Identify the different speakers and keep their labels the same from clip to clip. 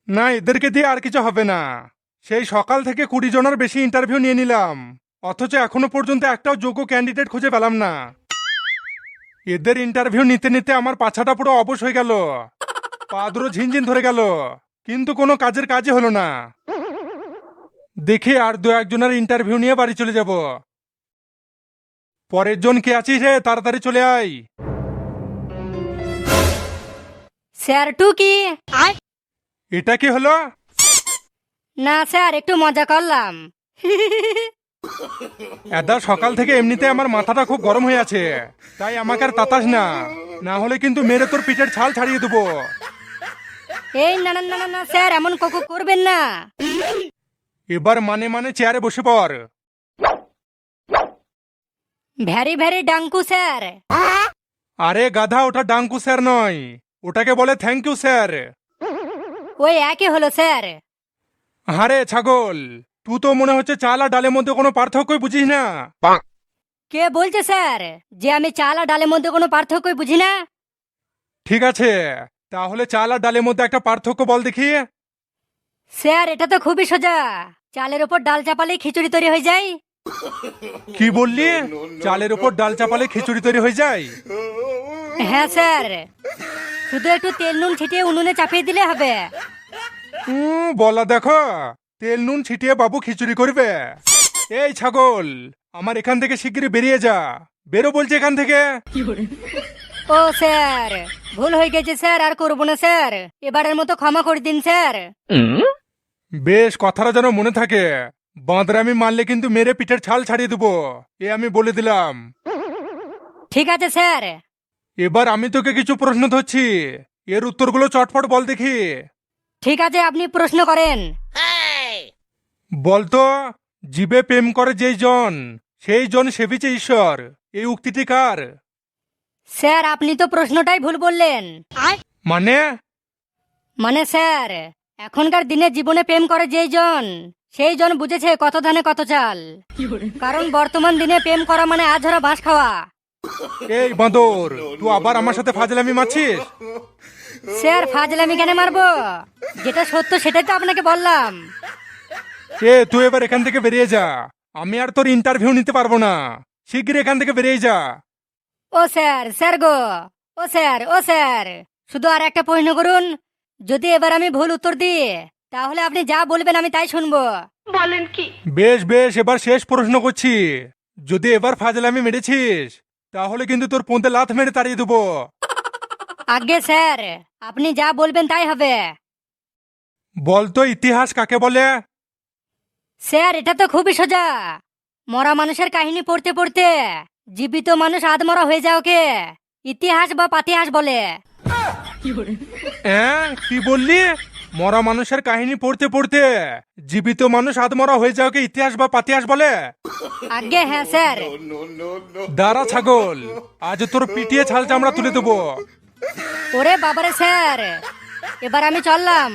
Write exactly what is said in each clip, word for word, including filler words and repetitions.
Speaker 1: না, এদেরকে দিয়ে আর কিছু হবে না। সেই সকাল থেকে কুড়ি জনের বেশি ইন্টারভিউ নিয়ে নিলাম, অথচ এখনো পর্যন্ত একটাও যোগ্য ক্যান্ডিডেট খুঁজে পেলাম না। এদের ইন্টারভিউ নিতে নিতে আমার পাছাটা পুরো অবশ হয়ে গেল, পা দুটো ঝিনঝিন ধরে গেল, কিন্তু কোনো কাজের কাজই হলো না। দেখি আর দু একজনের ইন্টারভিউ নিয়ে বাড়ি চলে যাব। পরের জন কে আছিস রে, তাড়াতাড়ি চলে আয়।
Speaker 2: স্যার টু কি?
Speaker 1: এটা কি হলো?
Speaker 2: না স্যার, একটু মজা করলাম।
Speaker 1: এদা সকাল থেকে এমনিতে আমার মাথাটা খুব গরম হয়ে আছে, তাই আমাকে আর তাতাস না, না হলে কিন্তু মেরে তোর পিঠের ছাল ছাড়িয়ে দেবো।
Speaker 2: এই না না না না, না স্যার, এমন ককু করবেন না।
Speaker 1: এবার মানে মানে চেয়ারে বসে পড়।
Speaker 2: Very very thank you sir.
Speaker 1: আরে গাধা, ওটা ডাঙ্কু স্যার নয়, ওটাকে বলে থ্যাংক ইউ স্যার।
Speaker 2: ওই একই হলো স্যার।
Speaker 1: আরে ছাগল, তুই তো মনে হচ্ছে চাল আর ডালের মধ্যে কোনো পার্থক্যই বুঝিস না।
Speaker 2: কে বলছে স্যার যে আমি চাল আর ডালের মধ্যে কোনো পার্থক্যই বুঝি না?
Speaker 1: ঠিক আছে, তাহলে চাল আর ডালের মধ্যে একটা পার্থক্য বল দেখি।
Speaker 2: স্যার এটা তো খুবই সোজা, চালের ওপর ডাল চাপালেই খিচুড়ি তৈরি হয়ে যায়।
Speaker 1: কি বললি? চালের উপর ডাল চাপালে খিচুড়ি তৈরি হয়ে যায়?
Speaker 2: হ্যাঁ স্যার, শুধু একটু তেল নুন ছিটিয়ে উনুনে চাপিয়ে দিলে হবে।
Speaker 1: হুম, বলা দেখো, তেল নুন ছিটিয়ে বাবু খিচুড়ি করবে? এই ছাগল, আমার এখান থেকে শিগগিরই বেরিয়ে যা, বেরো বলছে এখান থেকে।
Speaker 2: ও স্যার, ভুল হয়ে গেছে স্যার, আর করবো না স্যার, এবারের মতো ক্ষমা করে দিন স্যার।
Speaker 1: বেশ, কথাটা যেন মনে থাকে, বাঁদরামি মারলে কিন্তু মেরে পিঠের ছাল ছাড়িয়ে দেবো, এ আমি বলে দিলাম।
Speaker 2: ঠিক আছে স্যার।
Speaker 1: এবার আমি তোকে কিছু প্রশ্ন ধরছি, এর উত্তরগুলো চটপট বল দেখি।
Speaker 2: ঠিক আছে, আপনি প্রশ্ন করেন।
Speaker 1: বলতো, জীবে প্রেম করে যেই জন সেই জন সেবিছে ঈশ্বর, এই উক্তিটি কার?
Speaker 2: স্যার আপনি তো প্রশ্নটাই ভুল বললেন।
Speaker 1: মানে?
Speaker 2: মানে স্যার, এখনকার দিনে জীবনে প্রেম করে যেই জন সেই জন বুঝেছে কত ধানে কত চাল, কারণ বর্তমান দিনে প্রেম করা মানে আঝরা বাঁশ খাওয়া।
Speaker 1: এই বাঁদর, তুই আবার আমার সাথে ফাজলামি মারছিস?
Speaker 2: স্যার ফাজলামি কেন মারবো, যেটা সত্য সেটাই তো আপনাকে বললাম।
Speaker 1: এ তুই এবার এখান থেকে বেরিয়ে যা, আমি আর তোর ইন্টারভিউ নিতে পারবো না, শিগগির এখান থেকে বেরিয়ে যা।
Speaker 2: ও স্যার, স্যার গো, ও স্যার, ও স্যার, শুধু আর একটা প্রশ্ন করুন, যদি এবার আমি ভুল উত্তর দিই তাহলে আপনি যা বলবেন আমি তাই শুনবো। বলেন কি?
Speaker 1: বেশ বেশ, এবার শেষ প্রশ্ন করছি, যদি এবার ফাজলামি মেরেছিস তাহলে কিন্তু তোর পোঁতে লাথ মেরে তাড়িয়ে দেবো।
Speaker 2: আগে স্যার, আপনি যা বলবেন তাই হবে।
Speaker 1: বলতো, ইতিহাস কাকে বলে?
Speaker 2: স্যার এটা তো খুবই সোজা, মরা মানুষের কাহিনী পড়তে পড়তে জীবিত মানুষ আধমরা হয়ে যায়, ওকে ইতিহাস বা পাতিহাস বলে।
Speaker 1: হ্যাঁ, কি বললি? মরা মানুষের কাহিনী পড়তে পড়তে জীবিত মানুষ আধমরা হয়ে যাওয়াকে ইতিহাস বা পাতিহাস বলে?
Speaker 2: আগে হ্যাঁ স্যার।
Speaker 1: দাঁড়া ছাগল, আজ তোর পিটিয়ে ছাল চামড়া তুলে দেবো।
Speaker 2: ওরে বাবারে স্যার, এবার আমি চললাম।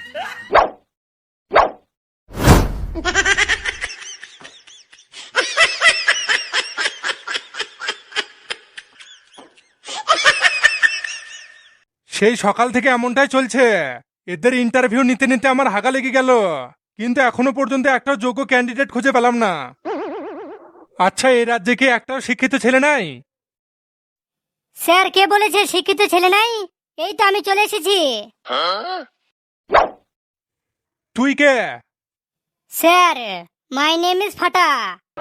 Speaker 1: সেই সকাল থেকে এমনটাই চলছে, এদের ইন্টারভিউ নিতে নিতে আমার হাগা লেগে গেল, কিন্তু এখনো পর্যন্ত একটাও যোগ্য ক্যান্ডিডেট খুঁজে পেলাম না। আচ্ছা, এই রাজ্যে কি একটাও শিক্ষিত ছেলে নাই?
Speaker 2: স্যার কে বলেছে শিক্ষিত ছেলে নাই? এই তো আমি চলে এসেছি।
Speaker 1: তুই কে?
Speaker 2: স্যার মাই নেম ইজ ফাটা।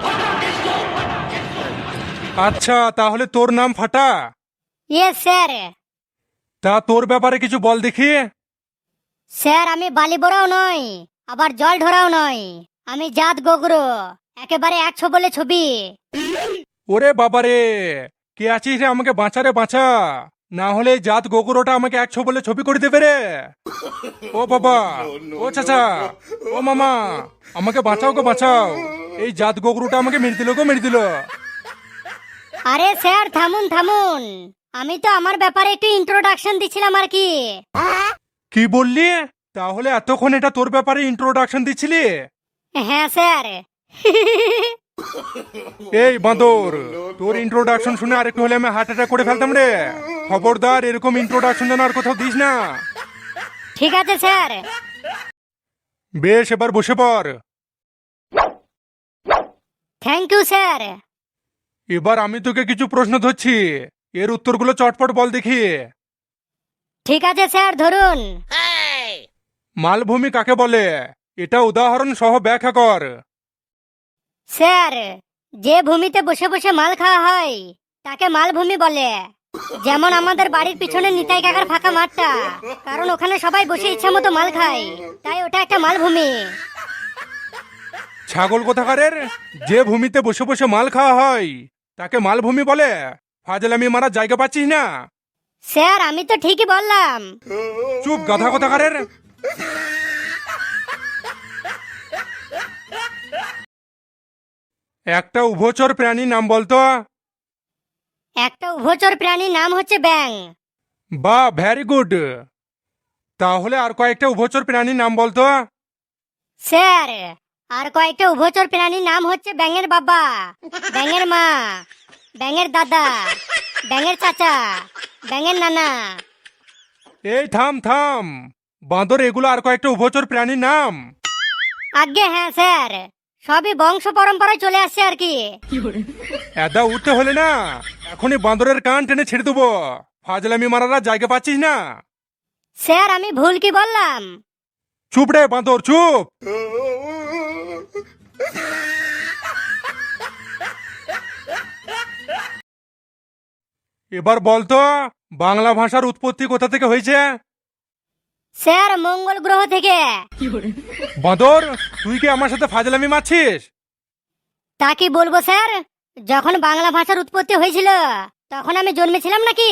Speaker 1: আচ্ছা, তাহলে তোর নাম ফাটা?
Speaker 2: Yes sir.
Speaker 1: তা তোর ব্যাপারে কিছু বল দেখি।
Speaker 2: স্যার আমি বালি বড়াও নই, আবার জল ঢোরাও নই, আমি জাত গোগরো, একেবারে একশো বলে ছবি।
Speaker 1: ওরে বাবারে, কে আছিস রে, আমাকে বাঁচা রে বাঁচা, না হলে এই জাত গোগরোটা আমাকে একশো বলে ছবি করে দেবে রে। ও বাবা, ও চাচা, ও মামা, আমাকে বাঁচাও গো বাঁচাও, এই জাত গোগরোটা আমাকে মেরে দিল গো, মেরে দিল।
Speaker 2: আরে স্যার থামুন থামুন, আমি তো আমার ব্যাপারে একটু ইন্ট্রোডাকশন দিছিলাম আর কি।
Speaker 1: কি বললি? তাহলে এতক্ষণ এটা তোর ব্যাপারে ইন্ট্রোডাকশন দিচ্ছিলি?
Speaker 2: হ্যাঁ স্যার।
Speaker 1: এই বাঁদর, তোর ইন্ট্রোডাকশন শুনে আরেকটু হলে আমি হার্ট অ্যাটাক করে ফেলতাম রে, খবরদার এরকম ইন্ট্রোডাকশন যেন আর কোথাও দিস না।
Speaker 2: ঠিক আছে স্যার।
Speaker 1: বেশ, এবার বসে পড়।
Speaker 2: Thank you sir.
Speaker 1: এবার আমি তোকে কিছু প্রশ্ন ধরছি, এর উত্তরগুলো চটপট বল দেখি।
Speaker 2: ঠিক আছে স্যার, ধরুন।
Speaker 1: মালভূমি কাকে বলে? এটা উদাহরণ সহ ব্যাখ্যা কর।
Speaker 2: স্যার, যে ভূমিতে বসে বসে মাল খাওয়া হয় তাকে মালভূমি বলে। যেমন আমাদের বাড়ির পিছনে নিতাই কাকার ফাঁকা মাঠটা, কারণ ওখানে সবাই বসে ইচ্ছা মতো মাল খায়, তাই ওটা একটা মালভূমি।
Speaker 1: ছাগল কোথাকারের, যে ভূমিতে বসে বসে মাল খাওয়া হয় তাকে মালভূমি বলে? ফাজলামি মারার জায়গা পাচ্ছিস না?
Speaker 2: স্যার, আমি তো ঠিকই বললাম।
Speaker 1: চুপ গাধা কোথাকারের। একটা উভচর প্রাণীর নাম বলতো।
Speaker 2: একটা উভচর প্রাণীর নাম হচ্ছে ব্যাং।
Speaker 1: বা, ভ্যারি গুড। তাহলে আর কয়েকটা উভচর প্রাণীর নাম বলতো।
Speaker 2: স্যার, আর কয়েকটা উভচর প্রাণীর নাম হচ্ছে ব্যাঙের বাবা, ব্যাঙের মা, ব্যাঙের দাদা, ব্যাঙের চাচা, ব্যাঙের নানা।
Speaker 1: এই থাম থাম, বাঁদর এগুলো আর কয়েকটা উভচর প্রাণীর নাম?
Speaker 2: আজ্ঞে হ্যাঁ স্যার, সবই বংশ পরম্পরায় চলে আসছে আর কি।
Speaker 1: এদা উঠতে হলে না এখনই বাঁদরের কান টেনে ছেড়ে দেবো। ফাজলামি মারার জায়গা পাচ্ছিস না?
Speaker 2: স্যার, আমি ভুল কি বললাম?
Speaker 1: চুপ রে বাঁদর, চুপ। এবার বলতো বাংলা ভাষার উৎপত্তি কোথা থেকে হয়েছে?
Speaker 2: স্যার, মঙ্গল গ্রহ থেকে।
Speaker 1: বাঁদর, তুই কি আমার সাথে ফাজলামি মারছিস?
Speaker 2: তা কি বলবো স্যার, যখন বাংলা ভাষার উৎপত্তি হয়েছিল তখন আমি জন্মেছিলাম নাকি?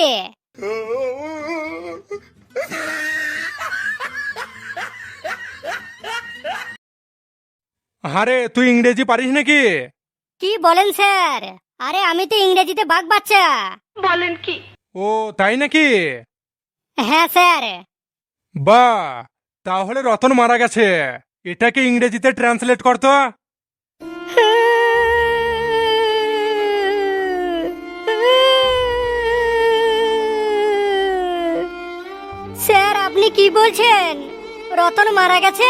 Speaker 1: আরে তুই ইংরেজি পারিস নাকি?
Speaker 2: কি বলেন স্যার? আরে আমি তো ইংরেজিতে বাঘ বাচ্চা। বলেন কি?
Speaker 1: ও তাই নাকি?
Speaker 2: হ্যাঁ স্যার।
Speaker 1: বা, তাহলে রতন মারা গেছে, এটাকে ইংরেজিতে ট্রান্সলেট করতো।
Speaker 2: স্যার, আপনি কি বলছেন? রতন মারা গেছে?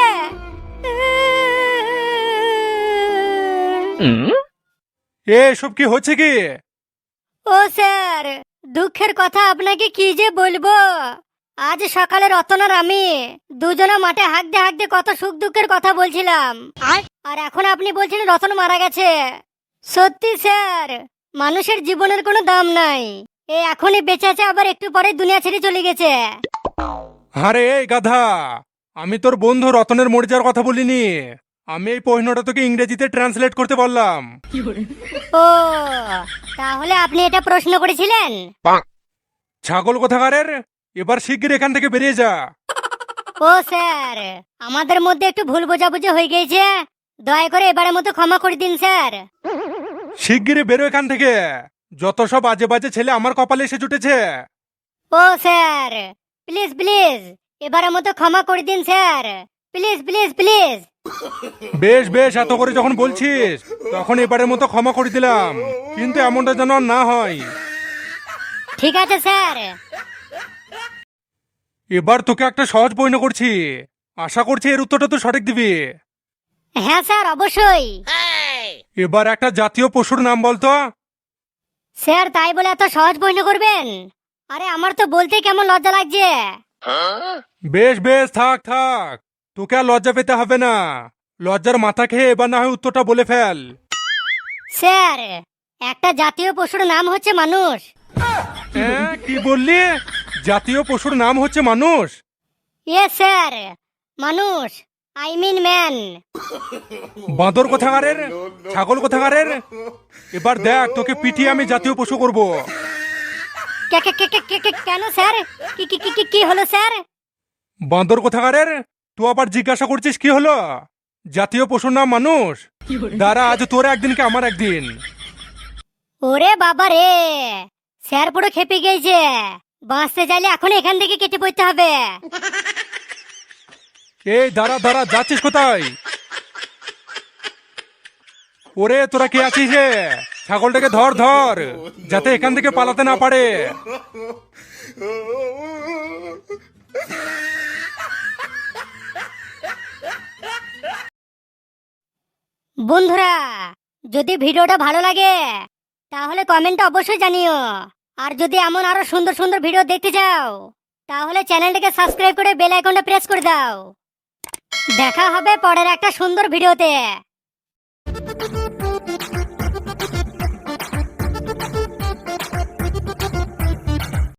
Speaker 1: এসব কি হচ্ছে কি?
Speaker 2: ও স্যার, দুঃখের কথা আপনাকে কি যে বলবো। আজ সকালে রতন আর আমি দুজনে মাঠে হাঁকতে হাঁকতে কত সুখ দুঃখের কথা বলছিলাম, আর এখন আপনি বলছেন রতন মারা গেছে। সত্যি স্যার, মানুষের জীবনের কোনো দাম নাই। এ এখনই বেঁচে আছে, আবার একটু পরে দুনিয়া ছেড়ে চলে গেছে।
Speaker 1: আরে এই গাধা, আমি তোর বন্ধু রতনের মরে যাওয়ার কথা বলিনি। আমি এই প্রশ্নটা তোকে ইংরেজিতে ট্রান্সলেট করতে বললাম।
Speaker 2: ও, তাহলে আপনি এটা প্রশ্ন করেছিলেন?
Speaker 1: ছাগল কোথাকারের, এবার শিগগির এখান থেকে বেরিয়ে যা।
Speaker 2: ও স্যার, আমাদের মধ্যে একটু ভুল বোঝাবুঝি হয়ে গেছে, দয়া করে এবারের মতো ক্ষমা করে দিন স্যার।
Speaker 1: শিগগিরই বেরো এখান থেকে, যত সব বাজে বাজে ছেলে আমার কপালে এসে জুটেছে।
Speaker 2: ও স্যার, প্লিজ প্লিজ এবারের মতো ক্ষমা করে দিন স্যার, প্লিজ প্লিজ প্লিজ।
Speaker 1: বেশ বেশ, এত করে যখন বলছিস তখন এবারের মতো ক্ষমা করে দিলাম, কিন্তু এমনটা যেন আর না হয়।
Speaker 2: ঠিক আছে স্যার।
Speaker 1: এবার তোকে একটা সহজ প্রশ্ন করছি, আশা করছি এর উত্তরটা তুই সঠিক দিবি।
Speaker 2: হ্যাঁ স্যার, অবশ্যই।
Speaker 1: এবার একটা জাতীয় পশুর নাম বলতো।
Speaker 2: স্যার, তাই বলে এত সহজ প্রশ্ন করবেন? আরে আমার তো বলতে কেমন লজ্জা লাগছে।
Speaker 1: বেশ বেশ, থাক থাক, তোকে আর লজ্জা পেতে হবে না। লজ্জার মাথা খেয়ে এবার না হয় উত্তরটা বলে ফেল।
Speaker 2: স্যার, একটা জাতীয় পশুর নাম হচ্ছে মানুষ।
Speaker 1: হ্যাঁ, কি বললি? জাতীয় পশুর নাম হচ্ছে মানুষ?
Speaker 2: ইয়েস স্যার, মানুষ, আই মিন ম্যান।
Speaker 1: বাঁদর কোথাকারের, ছাগল কোথাকারের, এবার দেখ তোকে পিটিয়ে আমি জাতীয় পশু করব।
Speaker 2: কে- কে- কে- কে- কে- কে- কেন স্যার? কি কি কি কি- কি হলো স্যার?
Speaker 1: বাঁদর কোথাকারের, তুই আবার জিজ্ঞাসা করছিস কি হলো? জাতীয় পশুর নাম মানুষ? দাঁড়া, আজ তোর একদিন কি আমার একদিন।
Speaker 2: ওরে বাবা রে, স্যার পুরো খেপে গিয়েছে। বাঁচতে চাইলে এখন এখান থেকে কেটে পড়তে হবে।
Speaker 1: এই দাঁড়া দাঁড়া, যাচ্ছিস কোথায়? ওরে তোরা কে আছিস রে? ছাগলটাকে ধর ধর, যাতে এখান থেকে পালাতে না পারে।
Speaker 2: বন্ধুরা, যদি ভিডিওটা ভালো লাগে তাহলে কমেন্টে অবশ্যই জানিও। আর যদি এমন আরো সুন্দর সুন্দর ভিডিও দেখতে চাও তাহলে চ্যানেলটাকে সাবস্ক্রাইব করে বেল আইকনটা প্রেস করে দাও। দেখা হবে পরের একটা সুন্দর ভিডিওতে।